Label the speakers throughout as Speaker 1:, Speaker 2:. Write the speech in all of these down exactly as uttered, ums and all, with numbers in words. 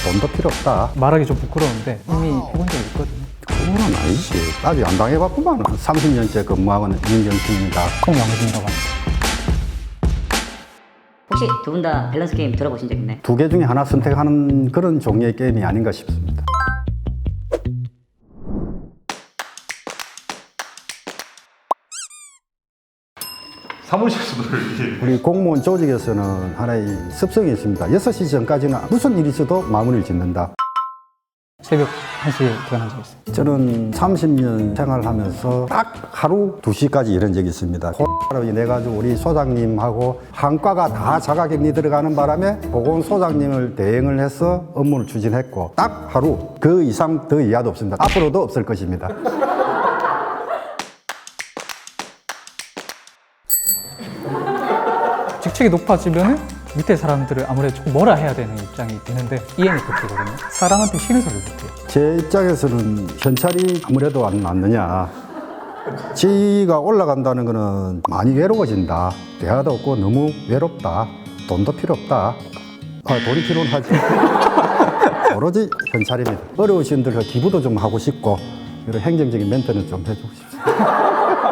Speaker 1: 돈도 필요 없다.
Speaker 2: 말하기 좀 부끄러운데 이미 해본 적이 있거든요.
Speaker 1: 그건 아니지. 아직 안 당해봤구만. 삼십 년째 근무하고 있는 윤경팀입니다.
Speaker 2: 홍영진이라고 합니다.
Speaker 3: 혹시 두 분 다 밸런스 게임 들어보신 적 있나요?
Speaker 1: 두 개 중에 하나 선택하는 그런 종류의 게임이 아닌가 싶습니다.
Speaker 4: 사무실에서도 이렇게
Speaker 1: 우리 공무원 조직에서는 하나의 습성이 있습니다. 여섯 시 전까지는 무슨 일이 있어도 마무리를 짓는다.
Speaker 2: 새벽 한 시에 퇴근한 적 있어요.
Speaker 1: 저는 삼십 년 생활하면서 딱 하루 두 시까지 일한 적이 있습니다. 코로나로 인해 가지고 우리 소장님하고 한과가 다 자가격리 들어가는 바람에 보건소장님을 대행을 해서 업무를 추진했고 딱 하루 그 이상 더 이하도 없습니다. 앞으로도 없을 것입니다.
Speaker 2: 직책이 높아지면은 밑에 사람들을 아무래도 조금 뭐라 해야 되는 입장이 되는데 이엔이 그렇거든요. 사람한테 싫은 소리를 못해요.
Speaker 1: 제 입장에서는 현찰이 아무래도 안 맞느냐. 지위가 올라간다는 거는 많이 외로워진다. 대화도 없고 너무 외롭다. 돈도 필요 없다. 아, 돈이 필요는 하지. 오로지 현찰입니다. 어려우신 분들 기부도 좀 하고 싶고 이런 행정적인 멘트는 좀 해주고 싶습니다.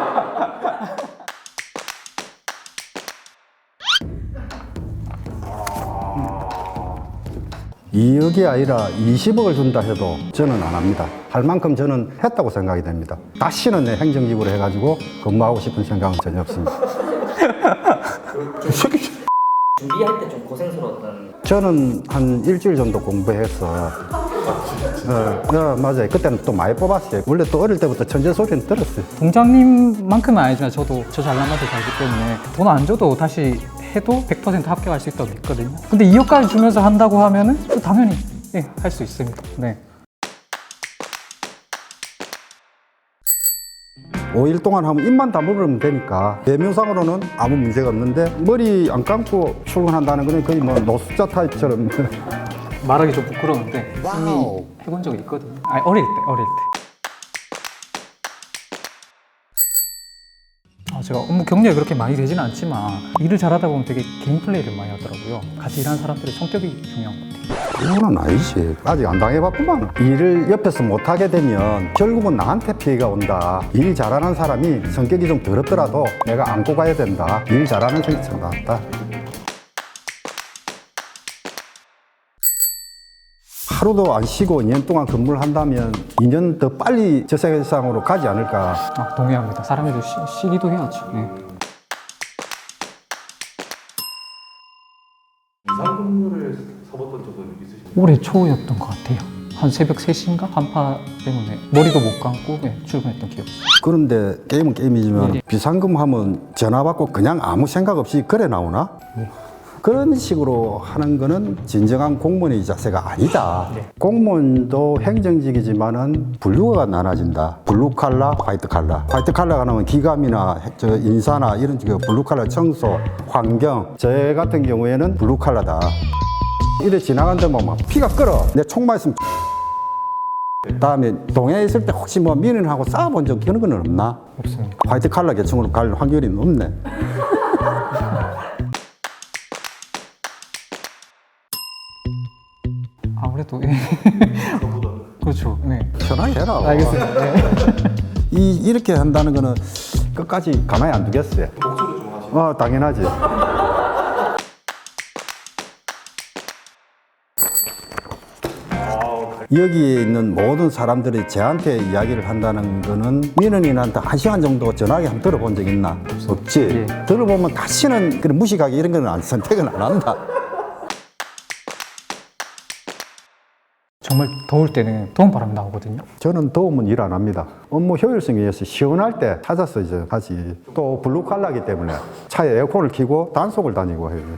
Speaker 1: 이억이 아니라 이십억을 준다 해도 저는 안 합니다. 할 만큼 저는 했다고 생각이 됩니다. 다시는 내 행정직으로 해가지고 근무하고 싶은 생각은 전혀 없습니다.
Speaker 3: 준비할 때 좀 고생스러웠던.
Speaker 1: 저는 한 일주일 정도 공부해서 어, 어, 맞아요. 그때는 또 많이 뽑았어요. 원래 또 어릴 때부터 천재 소리는 들었어요.
Speaker 2: 동장님만큼은 아니지만 저도 저 잘난 맛을 알기 때문에 돈 안 줘도 다시 해도 백 퍼센트 합격할 수 있다고 믿거든요. 근데 이억까지 주면서 한다고 하면은 또 당연히 예, 할 수 있습니다. 네.
Speaker 1: 오 일 동안 하면 입만 다물으면 되니까 대명상으로는 아무 문제가 없는데 머리 안 감고 출근한다는 거는 거의 뭐 노숙자 타입처럼
Speaker 2: 말하기 좀 부끄러운데 이미 해본 적이 있거든요. 아니, 어릴 때, 어릴 때. 아, 제가 업무 경력이 그렇게 많이 되지는 않지만 일을 잘하다 보면 되게 개인 플레이를 많이 하더라고요. 같이 일하는 사람들의 성격이 중요한 것 같아요.
Speaker 1: 그건 아니지. 아직 안 당해봤구만. 일을 옆에서 못하게 되면 결국은 나한테 피해가 온다. 일 잘하는 사람이 성격이 좀 더럽더라도 내가 안고 가야 된다. 일 잘하는 성격이 참 낫다. 하루도 안 쉬고 이 년 동안 근무를 한다면 이 년 더 빨리 저 세상으로 가지 않을까.
Speaker 2: 아, 동의합니다. 사람들도 쉬, 쉬기도 해야죠. 네.
Speaker 4: 이상 근무를 서봤던 적은 있으신가요?
Speaker 2: 올해 초였던 것 같아요. 한 새벽 세 시인가? 간파 때문에 머리도 못 감고 네, 출근했던 기억이 있어요.
Speaker 1: 그런데 게임은 게임이지만
Speaker 2: 네.
Speaker 1: 비상근무하면 전화 받고 그냥 아무 생각 없이 그래 나오나?
Speaker 2: 네.
Speaker 1: 그런 식으로 하는 거는 진정한 공무원의 자세가 아니다.
Speaker 2: 네.
Speaker 1: 공무원도 행정직이지만은 분류가 나눠진다. 블루 칼라, 화이트 칼라. 화이트 칼라가 나오면 기감이나 저 인사나 이런 그 블루 칼라 청소, 환경. 저 같은 경우에는 블루 칼라다. 이래 지나간다면 막 피가 끓어. 내 총 맞으면 다음에 동해에 있을 때 혹시 뭐 민원하고 싸워본 적 그런 건 없나?
Speaker 2: 없습니다.
Speaker 1: 화이트 칼라 계층으로 갈 확률이 높네.
Speaker 2: 아무래도 예. 그렇죠. 네.
Speaker 1: 편하게 해라.
Speaker 2: 알겠습니다. 네.
Speaker 1: 이, 이렇게 한다는 거는 끝까지 가만히 안 두겠어요.
Speaker 4: 목소리 좀 하시고.
Speaker 1: 어, 당연하지. 여기에 있는 모든 사람들이 저한테 이야기를 한다는 거는 민원인한테 한 시간 정도 전화기 한번 들어본 적 있나? 없지.
Speaker 2: 예.
Speaker 1: 들어보면 다시는 그런 무식하게 이런 거는 안, 선택은 안 한다.
Speaker 2: 정말 더울 때는 더운 바람이 나오거든요.
Speaker 1: 저는 더우면 일 안 합니다. 업무 효율성에 의해서 시원할 때 찾아서 이제 하지. 또 블루 칼라기 때문에 차에 에어컨을 켜고 단속을 다니고 해요.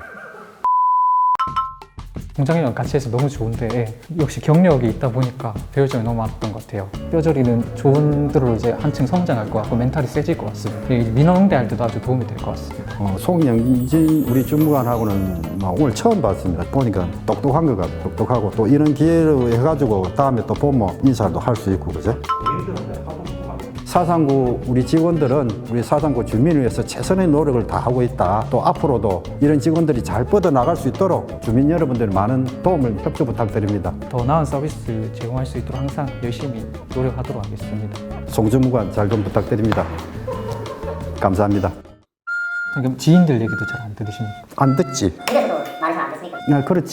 Speaker 2: 동장이랑 같이 해서 너무 좋은데 예, 역시 경력이 있다 보니까 배울 점이 너무 많았던 것 같아요. 뼈저리는 좋은 대로 이제 한층 성장할 것 같고 멘탈이 세질 것 같습니다. 이 민원 응대할 때도 아주 도움이 될 것 같습니다.
Speaker 1: 어, 송영진 우리 주무관하고는 막 오늘 처음 봤습니다. 보니까 똑똑한 것 같고 똑똑하고 또 이런 기회로 해가지고 다음에 또 보면 인사도 할 수 있고 그죠? 사상구 우리 직원들은 우리 사상구 주민을 위해서 최선의 노력을 다하고 있다. 또 앞으로도 이런 직원들이 잘 뻗어나갈 수 있도록 주민 여러분들 많은 도움을 협조 부탁드립니다.
Speaker 2: 더 나은 서비스 제공할 수 있도록 항상 열심히 노력하도록 하겠습니다.
Speaker 1: 송주무관 잘 좀 부탁드립니다. 감사합니다.
Speaker 2: 그럼 지인들 얘기도 잘 안 들으십니까?
Speaker 1: 안 듣지?
Speaker 5: 그래서도 말을 잘 안 듣습니까?
Speaker 1: 네, 그렇지.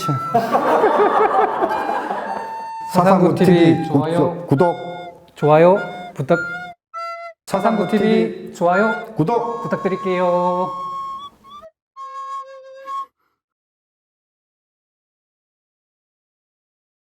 Speaker 2: 사상구 티비 좋아요.
Speaker 1: 구독.
Speaker 2: 좋아요 부탁. 사상구 티비 좋아요
Speaker 1: 구독.
Speaker 2: 부탁드릴게요.